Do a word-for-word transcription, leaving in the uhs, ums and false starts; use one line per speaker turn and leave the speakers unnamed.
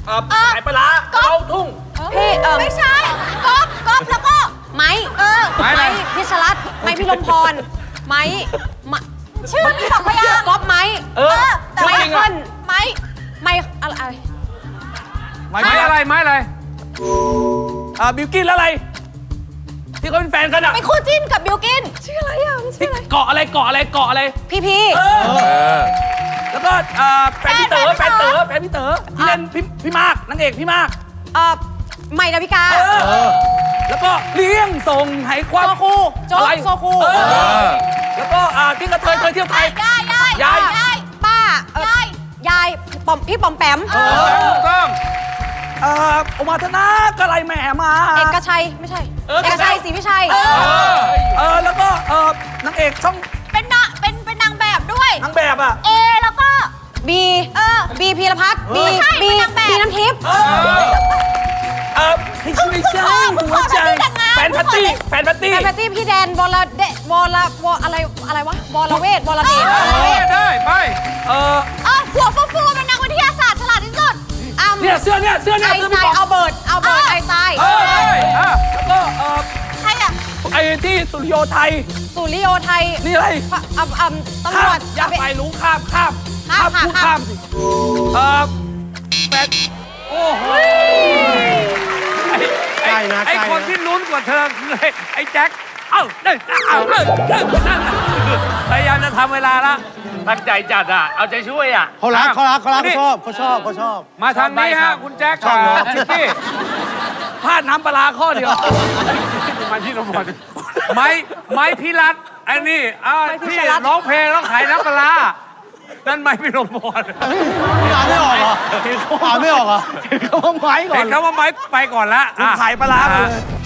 เอ่อขายปลาร้าเราทุ่ง
พี่เออ
ไม่ใช่ก๊อฟก๊อฟแล้วก็
ไม้เออไม้พิชรัตน์ไม้พิรมพรไม้มะ
ชื่อมีสองพยางค์
ก๊อฟไม้
เออ
แต่
ไม้
ว่า
เคิล
ไม้
ไม้อะไรอะไร
ไม้อะไรไม้อะไร
อ่าบิวกินแล้วอะไร ที่เขาเป็นแฟนกันอ่ะ
เป็นคู่จิ้นกับบิวกินชื่ออะไรอ่ะมันชื่ออะไร
เกาะอะไรเกาะอะไรเกาะอะไร
พี่พี่
เออ แล้วก็อ่าแฟนพี่เต๋อแฟนเต๋อแฟนพี่เต๋อที่เล่นพี่พี่มากนางเอกพี่มาก
เออใหม่ดาวิกา
เออ แล้วก็เลี้ยงส่งให้ความ
โซคูโจ๊ก
อะไร
โซคู
เออแล้วก็อ่าที่กระเทยเคยเที่ยวไทย
ยายยาย
ยาย
ยาย
ป้าเอ่อย
าย
ยายปอมพี่ปอมแปม
เออ
ถูกต้อง
เอ่อโอมาธนากะไรแหม่มา
เอกชัยไม่ใช่
เออ
เอกชัยศรีวิชัย
เออเออแล้วก็เออนางเอกช่อง
เป็นนางเป็นเป็นนางแบบด้วย
นางแบบอ่ะ
เอแล้วก็
บี
เออ
บีพีรพัฒน์บี
ไม่ใช่
บี
เป็นนางแบบ
บีน้ำทิพย์
เออเออไม่ใช่ไม่ใช่หัวใจแฟนพัตตี้แฟนพัตตี้
แฟนแพตตี้พี่แดนวรเดวรวรอะไรอะไรวะวรเวทวรเดชวรเวท
ได้ไป
เออ
เออหัวฟูฟูเป็นนักวิทยาศาสตร์ฉลาดที่สุด
อ้ำ
เนี่ยเสื้อเนี่ยเสื้อเนี่ย
ไอ
เสื้อ
ไซ
พี่
น์
บอ
เอา
ก
เบิร์ดเอาเบิร์ดไอไซน์
เออ
อ่ะ
แล้วก็เออ
ใครอ่ะ
ไอ้ที่สุริโยไทย
สุริโยไทย
นี่อะไร
อ่ำอ่ำอ่ำตำรวจ
อยากไปรู้ข้ามข้าม
ข้าม
พูด
ข้า
ข้าม มสิเออแฟนโอ้โห
ไอ้ไอ้คนที่ลุ้นกว่าเธอคือไอ้ไอ้แจ็คเอ้าเอ้ยเอ้าเอ้ยเอ้ยพยายามจะทำเวลาละตั้งใจจัดอ่ะเอาใจช่วยอ่ะ
เขารักเขารักเขารักเขาชอบเขาชอบเขาชอบ
มาทางนี้ฮะคุณแจ็คกับชิปปี้
พลาดน้ำปลาร้าข้อเดียว
มาที่นมบไม้ไม้พิรัตอันนี้อ่าที่ร้องเพลงแล้วขายน้ำปลานั่นไม้พิรมพร
อ่านไม่ออกเหรออ่านไม่ออกเหรอ
เห็นเขาว่าไม้ก่อ
เห็
น
นเขาว่าไม้ไปก่อนละ
คุณขายปลาร้ามาเลย